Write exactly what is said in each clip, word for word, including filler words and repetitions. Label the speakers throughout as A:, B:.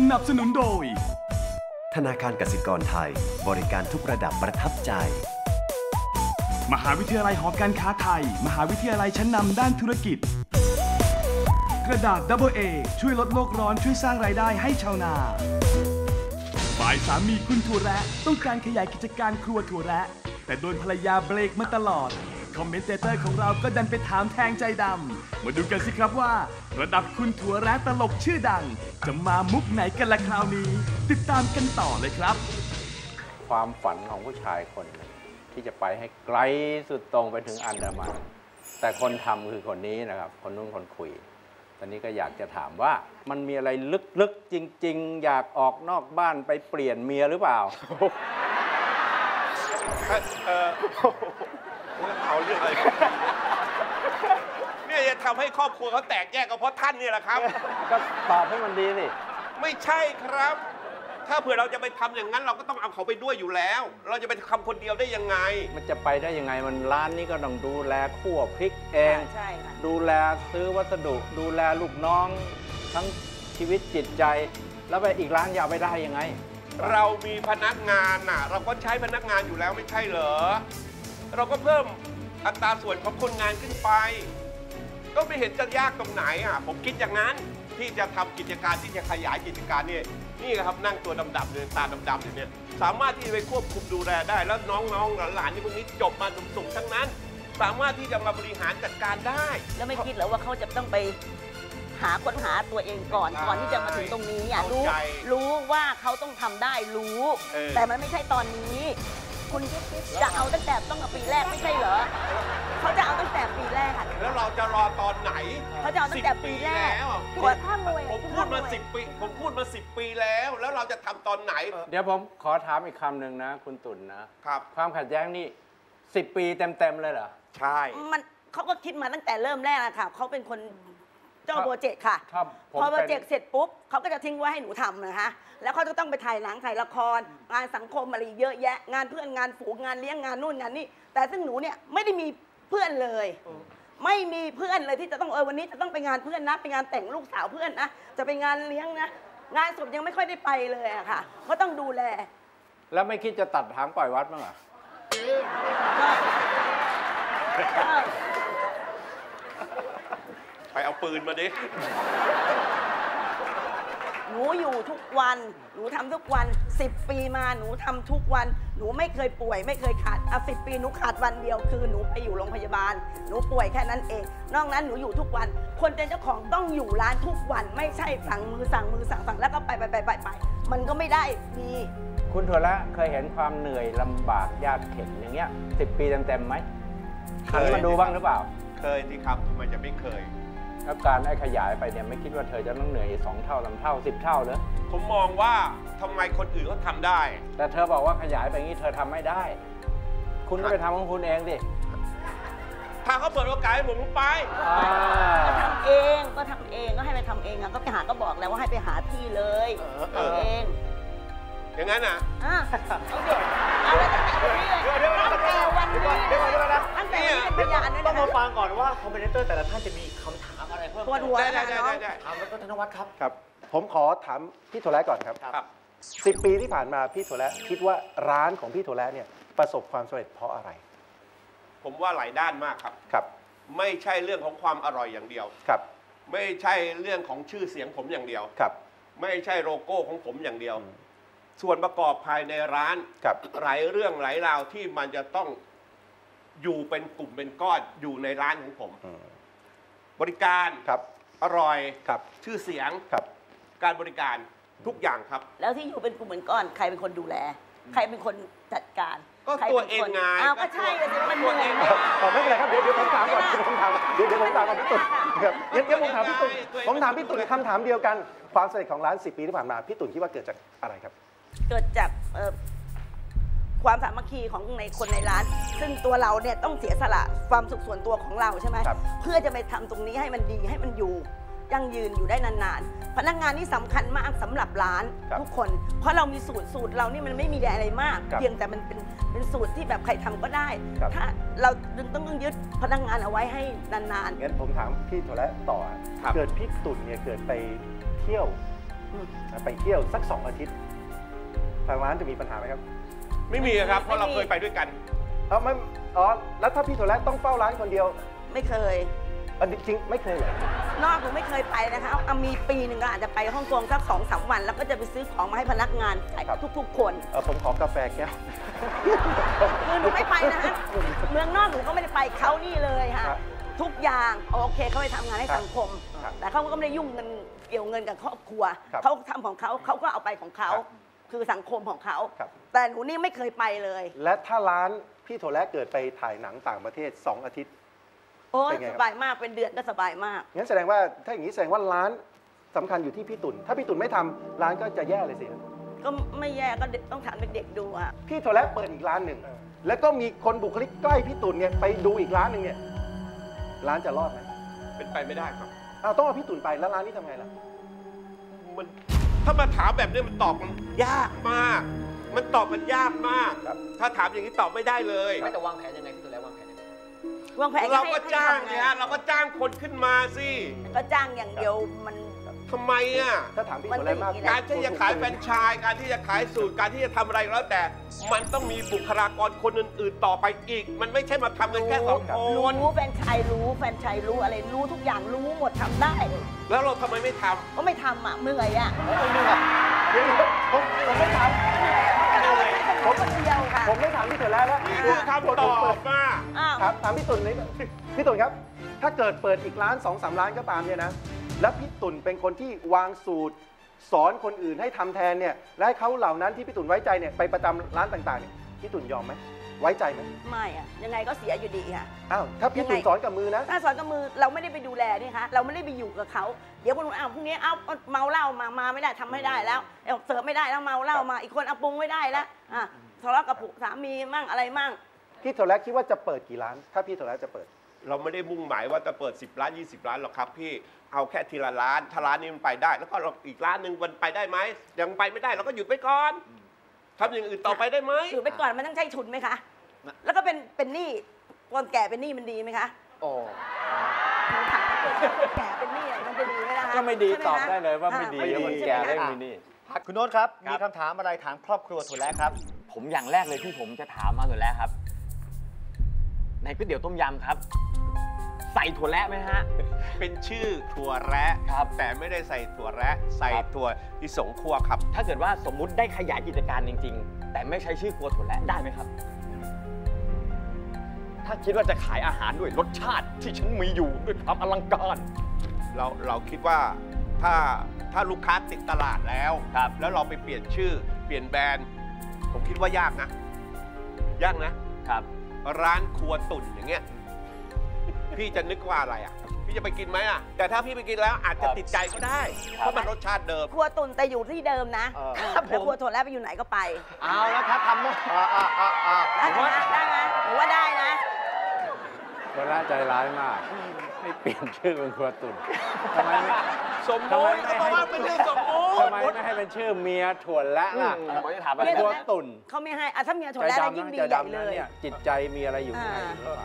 A: นับสนุนโดย
B: ธนาคารกสิกรไทยบริการทุกระดับประทับใจ
A: มหาวิทยาลัยหอการค้าไทยมหาวิทยาลัยชั้นนำด้านธุรกิจกระดาษ ดับเบิลเอ ช่วยลดโลกร้อนช่วยสร้างรายได้ให้ชาวนาฝ่ายสามีคุณถั่วแระต้องการขยายกิจการครัวถั่วแระแต่โดนภรรยาเบรกมาตลอดคอมเมนเตเตอร์ของเราก็ดันไปถามแทงใจดำมาดูกันสิครับว่าระดับคุณถั่วแระตลกชื่อดังจะมามุกไหนกันละคราวนี้ติดตามกันต่อเลยครับ
C: ความฝันของผู้ชายคนหนึ่งที่จะไปให้ไกลสุดตรงไปถึงอันดามันแต่คนทำคือคนนี้นะครับคนนู้นคนคุยตอนนี้ก็อยากจะถามว่ามันมีอะไรลึกๆจริงๆอยากออกนอกบ้านไปเปลี่ยนเมียหรือเปล่า
D: เออเอาเรื่องอะไรเนี่ยจะทำให้ครอบครัวเขาแตกแยกก็เพราะท่านนี่แหละครับ
C: ก็ตอบให้มันดีสิ
D: ไม่ใช่ครับถ้าเผื่อเราจะไปทำอย่างนั้นเราก็ต้องเอาเขาไปด้วยอยู่แล้วเราจะไปทำคนเดียวได้ยังไง
C: มันจะไปได้ยังไงมันร้านนี้ก็ต้องดูแลคั่วพริกเอง
E: ใช่ค่ะ
C: ดูแลซื้อวัสดุดูแลลูกน้องทั้งชีวิตจิตใจแล้วไปอีกร้านยาวไปได้ยังไง
D: เรามีพนักงานน่ะเราก็ใช้พนักงานอยู่แล้วไม่ใช่เหรอเราก็เพิ่มอัตราส่วนของคนงานขึ้นไปก็ไม่เห็นจะยากตรงไหนอ่ะผมคิดอย่างนั้นที่จะทำกิจการที่จะขยายกิจการนี่นี่ครับนั่งตัวดำๆเนี่ยตาดำๆเนี่ยสามารถที่จะไปควบคุมดูแลได้แล้วน้องๆหลานๆที่พวกนี้จบมาสูงๆทั้งนั้นสามารถที่จะมาบริหารจัดการได้
E: แล้วไม่คิดเหรอว่าเขาจะต้องไปหาค้นหาตัวเองก่อนก่อนที่จะมาถึงตรงนี้อ่ะรู้รู้ว่าเขาต้องทำได้รู้แต่มันไม่ใช่ตอนนี้คุณจะเอาตั้งแต่ต้องเอาปีแรกไม่ใช่เหรอเขาจะเอาตั้งแต่ปีแรก
D: แล้วเราจะรอตอนไหน
E: เขาจะเอาตั้งแต่ปีแรก
D: ผมพูดมาสิบปีผมพูดมาสิบปีแล้วแล้วเราจะทำตอนไหน
C: เดี๋ยวผมขอถามอีกคำหนึ่งนะคุณตุ่นนะครับความขัดแย้งนี่สิบปีเต็มๆเลยเหรอ
D: ใช่
E: มันเขาก็คิดมาตั้งแต่เริ่มแรกอะค่ะเขาเป็นคนเจ้าโปรเจกต์ค่ะพอโปรเจกต์เสร็จปุ๊บเขาก็จะทิ้งไว้ให้หนูทำนะคะแล้วเขาจะต้องไปถ่ายหนังถ่ายละครงานสังคมอะไรเยอะแยะงานเพื่อนงานฝูงงานเลี้ยงงานนู่นงานนี่แต่ซึ่งหนูเนี่ยไม่ได้มีเพื่อนเลยไม่มีเพื่อนเลยที่จะต้องเออวันนี้จะต้องไปงานเพื่อนนะไปงานแต่งลูกสาวเพื่อนนะจะไปงานเลี้ยงนะงานศพยังไม่ค่อยได้ไปเลยอะค่ะก็ต้องดูแล
C: แล้วไม่คิดจะตัดหางปล่อยวัดมั้งเหรอ
D: ไปเอาปืนมาดิ
E: หนูอยู่ทุกวันหนูทำทุกวันสิบปีมาหนูทำทุกวันหนูไม่เคยป่วยไม่เคยขาดอ่ะสิบปีหนูขาดวันเดียวคือหนูไปอยู่โรงพยาบาลหนูป่วยแค่นั้นเองนอกนั้นหนูอยู่ทุกวันคนเป็นเจ้าของต้องอยู่ร้านทุกวันไม่ใช่สั่งมือสั่งมือสั่งสั่งแล้วก็ไปไปไปไปไปมันก็ไม่ได้ดี
C: คุณถั่วละเคยเห็นความเหนื่อยลำบากยากเข็ญอย่างเงี้ยสิบปีเต็มๆไหมเคยมาดูบ้างหรือเปล่า
D: เคยสิครับทำไมจะไม่เคย
C: แล้วการไอ้ขยายไปเนี่ยไม่คิดว่าเธอจะต้องเหนื่อยสองเท่าสามเท่าสิบเท่าเลย
D: ผมมองว่าทำไมคนอื่นเขาทำได้
C: แต่เธอบอกว่าขยายไปงี้เธอทำไม่ได้คุณก็ไปทำของคุณเองดิ
D: ถ้าเขาเปิดโอกาสให้ผมไป
E: ก็ทำเองก็ทำเองก็ให้ไปทำเองก็ไปหาก็บอกแล้วว่าให้ไปหาที่เลยทำเอง
D: อย่างนั้นอ่ะ
E: อ่ะเอาเด็กเอาแล้วตั้งแต่วันนี้ตั้งแต่วันนี้ตั้งแต่วันนี้เป็นพยานด้วยนะ
F: ต้องมาฟังก่อนว่าคอมเมนเตอร์แต่ละท่านจะมีคำถามอะไรเพิ่ม
E: ปวดหัว
D: ได้ได้ได้
F: ถามแล้วก็ธนวัฒน์ครับ
G: ครับผมขอถามพี่ถั่วแระก่อนครับสิบปีที่ผ่านมาพี่ถั่วแระคิดว่าร้านของพี่ถั่วแระเนี่ยประสบความสำเร็จเพราะอะไร
D: ผมว่าหลายด้านมากครับ
G: ครับ
D: ไม่ใช่เรื่องของความอร่อยอย่างเดียว
G: ครับ
D: ไม่ใช่เรื่องของชื่อเสียงผมอย่างเดียว
G: ครับ
D: ไม่ใช่โลโก้ของผมอย่างเดียวส่วนประกอบภายในร้านหลายเรื่องหลายราวที่มันจะต้องอยู่เป็นกลุ่มเป็นก้อนอยู่ในร้านของผมบริการ
G: ครับ
D: อร่อย
G: ครับ
D: ชื่อเสียง
G: ครับ
D: การบริการทุกอย่างครับ
E: แล้วที่อยู่เป็นกลุ่มเป็นก้อนใครเป็นคนดูแลใครเป็นคนจัดการ
D: ก็ตัวเองไง
E: อ้าวก็ใช่เลยมัน
D: ตัวเอง
G: ไม่เป็นไรครับเดี๋ยวเดี๋ยวผมถามก่อนเดี๋ยวผมถามเดี๋ยวเดี๋ยวผมถามก่อนพี่ตุ่นครับเดี๋ยวผมถามพี่ตุ่นผมถามพี่ตุ่นคำถามเดียวกันความสำเร็จของร้านสิบปีที่ผ่านมาพี่ตุ่นคิดว่าเกิดจากอะไรครับ
E: เกิดจากความสามัคคีของในคนในร้านซึ่งตัวเราเนี่ยต้องเสียสละความสุขส่วนตัวของเราใช่ไหมเพื่อจะไปทำตรงนี้ให้มันดีให้มันอยู่ยั่งยืนอยู่ได้นานๆพนักงานนี่สำคัญมากสำหรับร้านทุกคนเพราะเรามีสูตรสูตรเรานี่มันไม่มีอะไรมากเพียงแต่มันเป็นเป็นสูตรที่แบบใครทำก็ได้ถ้าเราต้องต้องยึดพนักงานเอาไว้ให้นานๆ
G: งั้นผมถามพี่ถั่วแระต่อเกิดพี่ตุ่นเนี่ยเกิดไปเที่ยวไปเที่ยวสักสองอาทิตย์ทางร้านจะมีปัญหาไหมครับ
D: ไม่มีครับเพราะเราเคยไปด้วยกัน
G: เออไม่อ๋อแล้วถ้าพี่ถั่วแระต้องเฝ้าร้านคนเดียว
E: ไม่เคย
G: อันจริงไม่เคยเลย
E: นอกหนูไม่เคยไปนะคะเอามีปีหนึ่งก็อาจจะไปฮ่องกงสักสองสามวันแล้วก็จะไปซื้อของมาให้พนักงานทุกๆคน
G: เออผมขอกาแฟแก้ว
E: คือหนูไม่ไปนะฮะเมืองนอกหนูก็ไม่ได้ไปเขานี่เลยค่ะทุกอย่างโอเคเขาไปทำงานให้สังคมแต่เขาก็ไม่ได้ยุ่งเงินเกี่ยวเงินกับครอบครัวเขาทำของเขาเขาก็เอาไปของเขาคือสังคมของเขาแต่หนูนี่ไม่เคยไปเลย
G: และถ้าร้านพี่ถั่วแระเกิดไปถ่ายหนังต่างประเทศสองอาทิตย์
E: โอ้สบายมากเป็นเดือนก็สบายมาก
G: งั้นแสดงว่าถ้าอย่างนี้แสดงว่าร้านสำคัญอยู่ที่พี่ตุ่นถ้าพี่ตุ่นไม่ทำร้านก็จะแย่เลยสิ
E: ก็ไม่แย่ก็ต้องถามเด็กๆดูอ่ะ
G: พี่ถั่วแระเปิดอีกร้านหนึ่งแล้วก็มีคนบุคลิกใกล้พี่ตุ่นเนี่ยไปดูอีกร้านหนึ่งเนี่ยร้านจะรอดไหม
D: เป็นไปไม่ได้ครับ
G: อ้าวต้องเอาพี่ตุ่นไปแล้วร้านนี้ทำไงล่ะ
D: มันถ้ามาถามแบบนี้มันตอบมันยากมากมันตอบมันยากมากถ้าถามอย่างนี้ตอบไม่ได้เลย
F: ไม่แต่วางแผนยังไงพี่ตุ่นแล้ววางแผน
E: วางแผน
D: เราก็จ้างเนี่ยเราก็จ้างคนขึ้นมาสิ
E: ก็จ้างอย่างเดียวมัน
D: ทำไมอ่ะ
G: ถ้าถามพี่ถั่วแระมาก
D: การที่จะขายแฟรนไชส์การที่จะขายสูตรการที่จะทำอะไรแล้วแต่มันต้องมีบุคลากรคนอื่นๆต่อไปอีกมันไม่ใช่มาทำกันแค่สองคน
E: รู้แฟรนไชส์รู้แฟรนไชส์รู้อะไรรู้ทุกอย่างรู้หมดทำได้
D: แล้วเราทำไมไม่ทำ
E: ก็ไม่ทำอ่ะเมื่อยอ่ะ
G: เหนื่อยเดี๋ยวผมผมไม่ทำ
E: ผมคนเดียวค่ะ
G: ผมไม่ถามพี่ถั่วแระแล้ว
D: นี่คือคำตอบมา
G: ครับถามพี่ตุ่นนี่พี่ตุ่นครับถ้าเกิดเปิดอีกร้านสองสามร้านก็ตามเนี่ยนะแล้วพี่ตุ่นเป็นคนที่วางสูตรสอนคนอื่นให้ทำแทนเนี่ยและให้เขาเหล่านั้นที่พี่ตุ่นไว้ใจเนี่ยไปประจำร้านต่างๆเนี่ยพี่ตุ่นยอมไหมไว้ใจไหม
E: ไม่อะยังไงก็เสียอยู่ดีค่ะ
G: อ้าวถ้าพี่ตุ่นสอนกับมือนะ
E: ถ้าสอนกับมือเราไม่ได้ไปดูแลนี่คะเราไม่ได้ไปอยู่กับเขาเดี๋ยวคนอ้าวพรุ่งนี้เอาเมาเหล้ามามาไม่ได้ทำไม่ได้แล้วเสิร์ฟไม่ได้แล้วเมาเหล้ามาอีกคนเอาปรุงไม่ได้แล้วอ่ะทะเลาะกับสามีมั่งอะไรมั่ง
G: พี่ถั่วแระคิดว่าจะเปิดกี่ร้านถ้าพี่ถั่วแระจะเปิด
D: เราไม่ได้มุ่งหมายว่าจะเปิดสิบร้านยี่สิบร้านหรอกครับพี่เอาแค่ทีละร้านถ้าร้านนี้มันไปได้แล้วก็อีกร้านหนึ่งมันไปได้ไหมยังไปไม่ได้เราก็หยุดไปก่อนทำอย่างอื่นต่อไปได้ไหม
E: หยุดไปก่อนมันต้องใช้ทุนไหมคะแล้วก็เป็นเป็นหนี้คนแก่เป็นหนี้มันดีไหมคะ
F: โอ้
E: ถามคนแก่เป็นหนี้มันจะดีไหมล่ะ
C: ก็ไม่ดีตอบได้เลยว่าไม่ดีคนแก่ได้ไม่มีหนี้
F: คุณโน้ตครับมีคำถามอะไรถามครอบครัวถั่วแระครับ
C: ผมอย่างแรกเลยที่ผมจะถามมาถั่วแระครับในก๋วยเตี๋ยวต้มยำครับใส่ถั่วแระไหมฮะ
D: เป็นชื่อถั่วแระครับแต่ไม่ได้ใส่ถั่วแระใส่ถั่วลิสงคั่วครับ
C: ถ้าเกิดว่าสมมุติได้ขยายกิจการจริงๆแต่ไม่ใช้ชื่อครัวถั่วแระได้ไหมครับถ้าคิดว่าจะขายอาหารด้วยรสชาติที่ฉันมีอยู่ด้วยความอลังการ
D: เราเราคิดว่าถ้าถ้าลูกค้าติดตลาดแล้ว
C: ครับ
D: แล้วเราไปเปลี่ยนชื่อเปลี่ยนแบรนด์ผมคิดว่ายากนะยากนะครับร้านครัวตุ่นอย่างเงี้ยพี่จะนึกว่าอะไรอ่ะพี่จะไปกินไหมอ่ะแต่ถ้าพี่ไปกินแล้วอาจจะติดใจก็ได้เพราะมันรสชาติเดิม
E: ครัวตุ่นแต่อยู่ที่เดิมนะแล้วครัวถั่วแระไปอยู่ไหนก็ไป
F: เอาแล้วครับทำได้
E: ได้ไหมหรือว่าได้นะ
C: ถั่วแระใจร้ายมากไม่เปลี่ยนชื่อเป็นครัวตุ่นทำไมไม่
D: สมมติเพราะว่าเป็นชื่อสมมติ
C: ทำไมไม่ให้เป็นชื่อเมียถั่วแระล่ะผมจะถามว่าครัวตุ่น
E: เขาไม่ให้ถ้าเมียถั่วแระยิ่งดีใหญ่เลย
C: จิตใจมีอะไรอยู่ข้างใน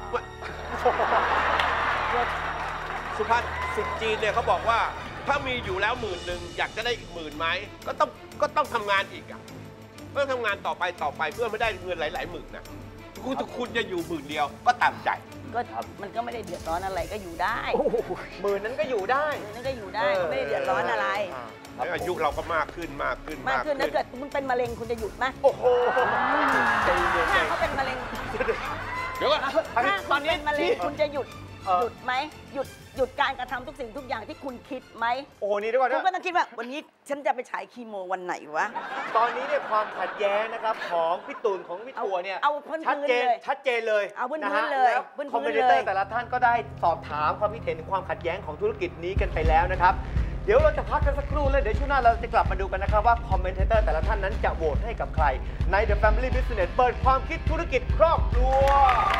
D: สุภาษิตจีนเนี่ยเขาบอกว่าถ้ามีอยู่แล้วหมื่นหนึ่งอยากจะได้อีกหมื่นไหมก็ต้องก็ต้องทำงานอีกอ่ะเพื่อทำงานต่อไปต่อไปเพื่อไม่ได้เงินหลายๆหมื่นนะคุณคุณจะอยู่หมื่นเดียวก็ตามใจ
E: ก็มันก็ไม่ได้เดือดร้อนอะไรก็อยู่ได้
F: หมื่นนั้นก็อยู่ได้
E: หมื่นนั้นก็อยู่ได้ไม่ได้เดือดร้อนอะไร
D: อายุเราก็มากขึ้นมากขึ้น
E: มากขึ้นถ้าเกิดคุณเป็นมะเร็งคุณจะหยุดไหม
F: โอ้โห
E: ถ้าเขาเป็นมะเร็ง
F: เดี๋ยวก่อน
E: ถ้าตอนนี้มะเร็งคุณจะหยุดหยุดไหมหยุดหยุดการกระทำทุกสิ่งทุกอย่างที่คุณคิดไหม
F: โอ้นี่ด้วยก่อน
E: คุณก็ต้องคิดว่าวันนี้ฉันจะไปฉายคีโมวันไหนวะ
F: ตอนนี้เนี่ยความขัดแย้งนะครับของพี่ตุ่นของพี่ถั่วเนี่ยชัดเจนชัดเจนเลย
E: เอาพื้นพื้นเลย
F: คอมเมนเตอร์แต่ละท่านก็ได้สอบถามความคิดเห็นถึงความขัดแย้งของธุรกิจนี้กันไปแล้วนะครับเดี๋ยวเราจะพักกันสักครู่แล้วเดี๋ยวช่วงหน้าเราจะกลับมาดูกันนะครับว่าคอมเมนเตอร์แต่ละท่านนั้นจะโหวตให้กับใครใน The Family Business เปิดความคิดธุรกิจครอบครัว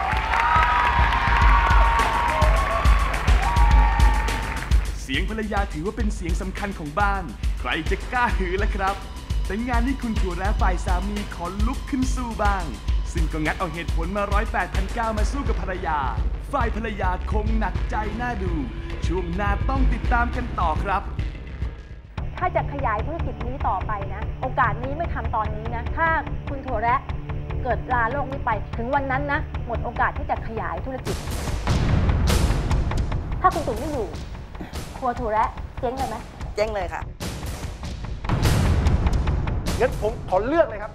A: เสียงภรรยาถือว่าเป็นเสียงสำคัญของบ้านใครจะกล้าหือล่ะครับแต่งานนี้คุณถั่วแระฝ่ายสามีขอลุกขึ้นสู้บ้างซึ่งก็งัดเอาเหตุผลมาร้อยแปดพันเก้ามาสู้กับภรรยาฝ่ายภรรยาคงหนักใจน่าดูช่วงหน้าต้องติดตามกันต่อครับ
H: ถ้าจะขยายธุรกิจนี้ต่อไปนะโอกาสนี้ไม่ทำตอนนี้นะถ้าคุณถั่วแระเกิดลาโลกนี้ไปถึงวันนั้นนะหมดโอกาสที่จะขยายธุรกิจถ้าคุณตุ๋นไม่อยู่ครัวถั่วแระเจ๊งเลยไหม
E: เจ๊งเลยค่ะ
G: งั้นผมขอเลือกเลยครับ